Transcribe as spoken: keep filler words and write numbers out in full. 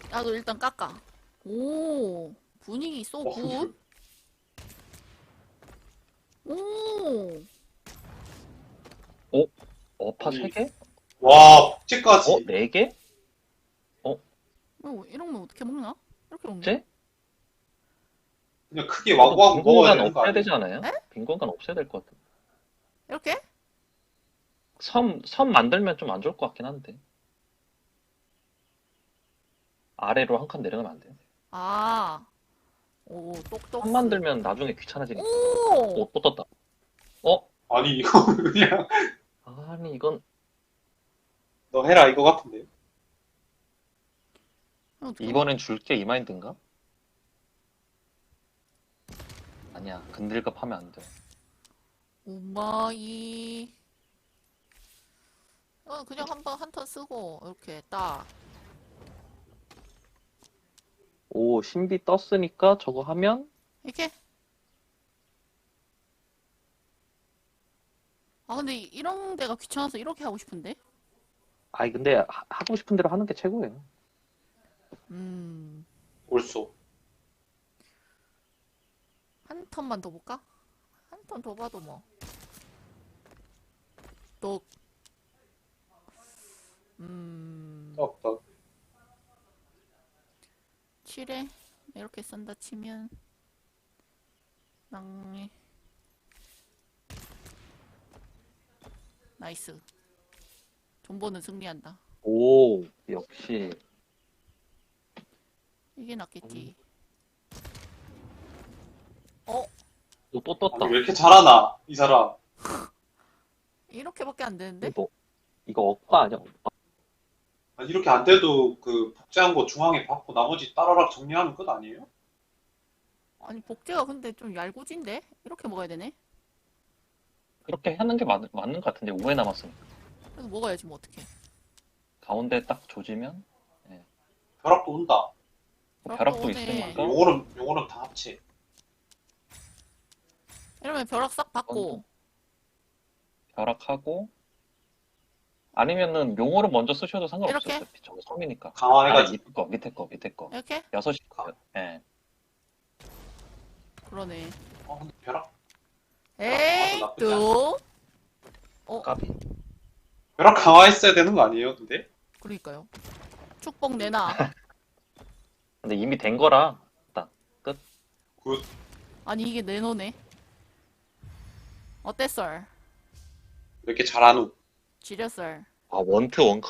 나도 일단 깎아. 오, 분위기 쏘 어, 굿. 오, 어? 어파 아니, 세 개? 와, 어? 복제까지. 네 개? 어? 어, 이런 거 어떻게 먹나? 이렇게 먹네? 제? 그냥 크게 그래도 와구와구 빈 먹어야 공간 되는 거 없애야 아니에요? 되지 않아요? 에? 빈 공간 없애야 될 것 같아. 이렇게? 섬, 섬 만들면 좀 안 좋을 것 같긴 한데. 아래로 한 칸 내려가면 안 돼요? 아, 오, 똑똑스. 섬 만들면 나중에 귀찮아지니까. 오, 오, 또 떴다. 어? 아니, 이거 그냥 아니, 이건 너 해라 이거 같은데. 어떻게 먹- 이번엔 줄게 이 마인드인가? 아니야, 근들갑 하면 안 돼. 오마이. 어, 그냥 한번 한 턴 쓰고 이렇게 딱. 오, 신비 떴으니까 저거 하면 이렇게? 아, 근데 이- 이런 데가 귀찮아서 이렇게 하고 싶은데? 아니 근데 하, 하고 싶은 대로 하는 게 최고예요. 음, 옳소. 한 턴만 더 볼까? 한 턴 더 봐도 뭐. 또, 음, 떡떡. 칠에 이렇게 쓴다 치면, 낭, 나이스. 존버는 승리한다. 오, 역시. 이게 낫겠지. 어? 오, 또 떴다. 아니, 왜 이렇게 잘하나, 이 사람. 이렇게밖에 안 되는데? 이거, 이거 억까 아니야? 억까? 아니, 이렇게 안 돼도 그 복제한 거 중앙에 받고 나머지 따라락 정리하면 끝 아니에요? 아니, 복제가 근데 좀 얄궂은데? 이렇게 먹어야 되네? 그렇게 하는 게 맞, 맞는 것 같은데, 오 회 남았으니까. 그래서 먹어야지, 뭐, 어떡해. 가운데 딱 조지면, 벼락도 온다. 뭐 벼락도 벼락도 오네. 있으니까, 요거는, 요거는 다 합체. 이러면 벼락 싹 받고, 벼락하고, 아니면은 용어를 먼저 쓰셔도 상관없어요. 이렇게? 어차피 저거 섬이니까. 강화해가지고. 아니, 밑에 거, 밑에 거, 밑에 거. 이렇게? 여섯 시 거요. 예. 그러네. 어, 근데 벼락, 에이, 나쁘지 또? 어, 까비. 벼락 강화했어야 되는 거 아니에요, 근데? 그러니까요. 축복 내놔. 근데 이미 된 거라, 일단, 끝. 굿. 아니, 이게 내노네. 어땠어? 왜 이렇게 잘하누? 지렸어. 아, 원트 원크